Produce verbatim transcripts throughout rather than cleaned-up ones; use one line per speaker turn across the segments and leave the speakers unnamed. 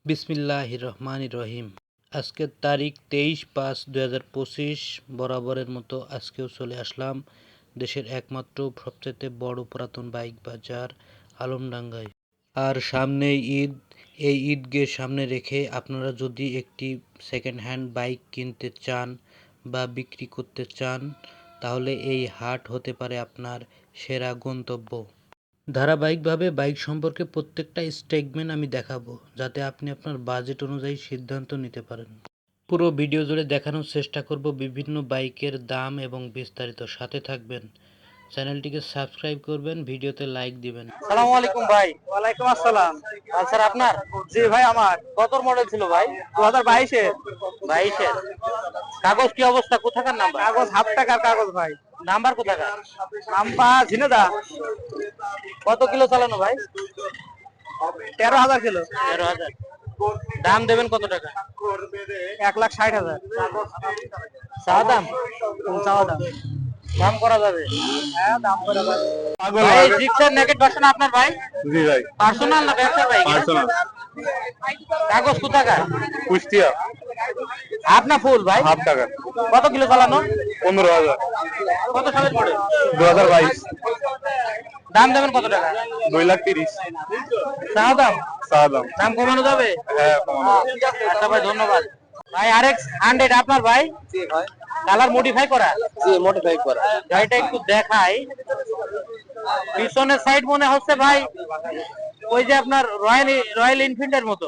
বিসমিল্লাহির রহমানির রহিম। আজকের তারিখ তেইশ পাঁচ দুই হাজার পঁচিশ। বরাবরের মতো আজকেও চলে আসলাম দেশের একমাত্র সবচেয়ে বড় পুরাতন বাইক বাজার আলমডাঙ্গায়। আর সামনে ঈদ, এই ঈদকে সামনে রেখে আপনারা যদি একটি সেকেন্ড হ্যান্ড বাইক কিনতে চান বা বিক্রি করতে চান, তাহলে এই হাট হতে পারে আপনার সেরা গন্তব্য। ধারাবাহিকভাবে বাইক সম্পর্কে প্রত্যেকটা স্টেটমেন্ট আমি দেখাবো, যাতে আপনি আপনার বাজেট অনুযায়ী সিদ্ধান্ত নিতে পারেন। পুরো ভিডিও জুড়ে দেখানোর চেষ্টা করব বিভিন্ন বাইকের দাম এবং বিস্তারিত। সাথে থাকবেন, চ্যানেলটিকে সাবস্ক্রাইব করবেন, ভিডিওতে লাইক দিবেন।
আসসালামু আলাইকুম ভাই।
ওয়ালাইকুম আসসালাম।
স্যার আপনার?
জি ভাই আমার।
কত মডেল ছিল ভাই?
দু হাজার বাইশের।
বাইশের। কাগজ কি অবস্থা? কোথাকার নাম্বার?
কাগজ হাফ টাকার কাগজ ভাই।
নাম্বার কোথাকার?
নাম্বার ঝিনেদা।
কত কিলো চালানো ভাই?
তেরো হাজার কিলো।
তেরো হাজার। দাম দেবেন কত টাকা?
এক লাখ ষাট হাজার।
চাওয়া দাম?
চাওয়া দাম।
দাম করা যাবে?
হ্যাঁ দাম করে ভাই।
ভাই জিক্সার নেকেট ভার্সন আপনার ভাই?
জি ভাই।
পার্সোনাল না ব্যবসার বাইক?
পার্সোনাল।
কাগজ কোথাকার?
কুষ্টিয়া।
হাফ না ফুল ভাই?
হাফ টাকা।
কত কিলো চালানো?
পনেরো হাজার।
কত সালের মডেল?
দু হাজার বাইশ।
দাম দেবেন কত টাকা?
দুই লাখ তিরিশ।
চাওয়া দাম?
চাওয়া দাম।
দাম কমানো যাবে?
হ্যাঁ কমানো যাবে।
আচ্ছা ভাই ধন্যবাদ। ভাই আরএক্স হান্ড্রেড আপনার ভাই?
জি ভাই।
কালার মডিফাই করা?
জি মডিফাই করা।
গাড়িটা একটু দেখাই। পিছনের সাইড মনে হচ্ছে ভাই ওই যে আপনার রয়্যাল রয়্যাল এনফিল্ডের মতো।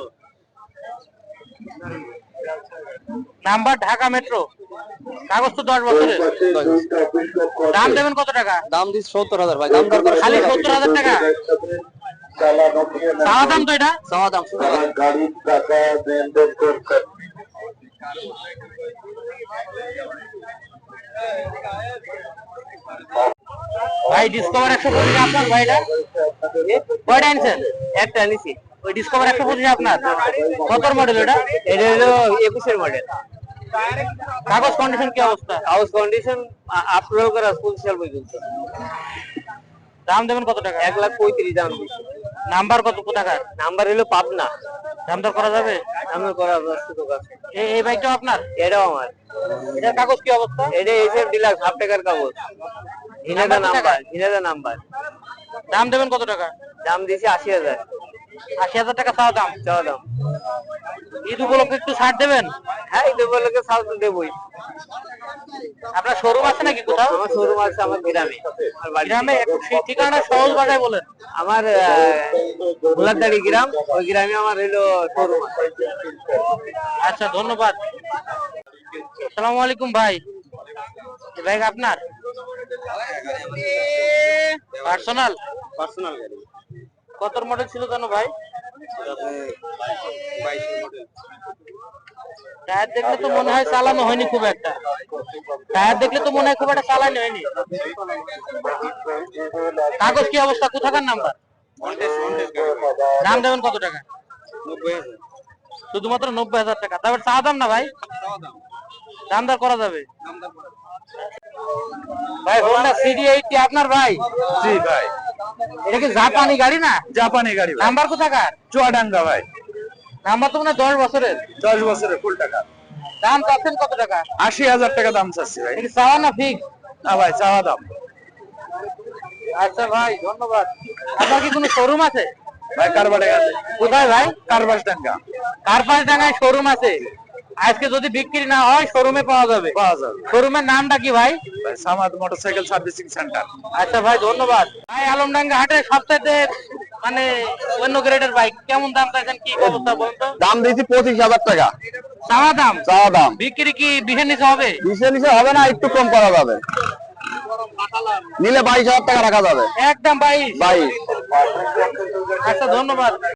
Number Dhaka metro. কাগজ তো দশ বছরের। দাম দেবেন কত টাকা?
দাম দিচ্ছি সত্তর হাজার ভাই। দাম দর করে
খালি সত্তর হাজার টাকা? চাওয়া দাম তো এটা?
চাওয়া দাম।
ভাই ডিসকভার একশো পঁচিশ আপনার ভাইটা? কয়টা আনছেন?
একটা নিছি।
ওই ডিসকভার একশো পঁচিশ আপনার? কত মডেল এটা?
এটা হলো একুশের মডেল।
কাগজ কন্ডিশন কি অবস্থা?
হাউস কন্ডিশন আপলোড করা পঁচিশ সাল পর্যন্ত।
দাম দেবেন কত টাকা?
এক লাখ পঁয়ত্রিশ দাম দিচ্ছি।
নাম্বার কত কোথাকার?
নাম্বার হলো পাবনা।
দাম দর করা যাবে?
দাম দর করা সুযোগ আছে।
এই এই বাইকটাও আপনার?
এটাও আমার।
এটার কাগজ কি অবস্থা?
এটা এসএফ ডিলাক্স হাফ টাকার কাগজ। ঝিনেদা নাম্বার। ঝিনেদা নাম্বার।
দাম দেবেন কত টাকা?
দাম দিয়েছি আশি হাজার।
আশি হাজার টাকা চাওয়া দাম?
চাওয়া দাম।
ঈদ উপলক্ষে একটু ছাড় দেবেন?
হ্যাঁ এই দেবলকে সাল তো দেবই।
আপনার শোরুম আছে নাকি কোথাও?
আমার শোরুম আছে আমার গ্রামে। আমার বাড়ি
গ্রামে? একটু সেই ঠিকানা সহজ ভাষায় বলেন।
আমার গোলারদাড়ি গ্রাম, ওই গ্রামে আমার হলো শোরুম আছে।
আচ্ছা ধন্যবাদ। আসসালামু আলাইকুম ভাই। এই বাইক আপনার? পার্সোনাল?
পার্সোনাল গাড়ি।
কত মডেল ছিল জানো ভাই? টায়ার দেখলে তো মনে হয় চালানো হয়নি খুব একটা। টায়ার দেখলে তো মনে হয় খুব একটা চালানো হয়নি। কাগজ কি অবস্থা? কোথাকার নাম্বার? দাম দেবেন কত টাকা?
নব্বই হাজার।
শুধুমাত্র নব্বই হাজার টাকা? তারপর চা দাম না ভাই? দাম দর করা যাবে? ভাই হোন্ডা সিডি এইটটি আপনার ভাই?
জি ভাই।
এটা কি জাপানি গাড়ি না?
জাপানি গাড়ি ভাই।
নাম্বার কোথাকার?
চুয়াডাঙ্গা ভাই।
নাম্বার তো মনে হয় দশ বছরের।
দশ বছরের ফুল টাকা।
দাম চাচ্ছেন কত টাকা?
আশি হাজার টাকা দাম চাচ্ছি ভাই।
এটা চাওয়া না ফিক্স?
না ভাই চাওয়া দাম।
আচ্ছা ভাই ধন্যবাদ। আপনার কি কোনো শোরুম আছে?
ভাই কারবারে আছে।
কোথায় ভাই?
কারবাস ডাঙ্গা।
কারপাস ডাঙ্গায় শোরুম আছে। আজকে যদি বিক্রি না হয় শোরুমে পাওয়া যাবে?
পাওয়া যাবে।
শোরুমের নামটা কি ভাই?
ভাই সামাদ মোটরসাইকেল সার্ভিসিং সেন্টার।
আচ্ছা ভাই ধন্যবাদ। ভাই আলমডাঙ্গা হাটে সবচেয়ে মানে অন্য গ্রেডের বাইক কেমন দাম চাইছেন, কি অবস্থা বলুন তো?
দাম দিয়েছি পঁচিশ হাজার টাকা।
চাওয়া দাম?
চাওয়া দাম।
বিক্রি কি বিশের নিচে হবে?
বিশের নিচে হবে না, একটু কম করা যাবে। নিলে বাইশ হাজার টাকা রাখা যাবে।
একদম বাইশ?
বাইশ।
আচ্ছা ধন্যবাদ।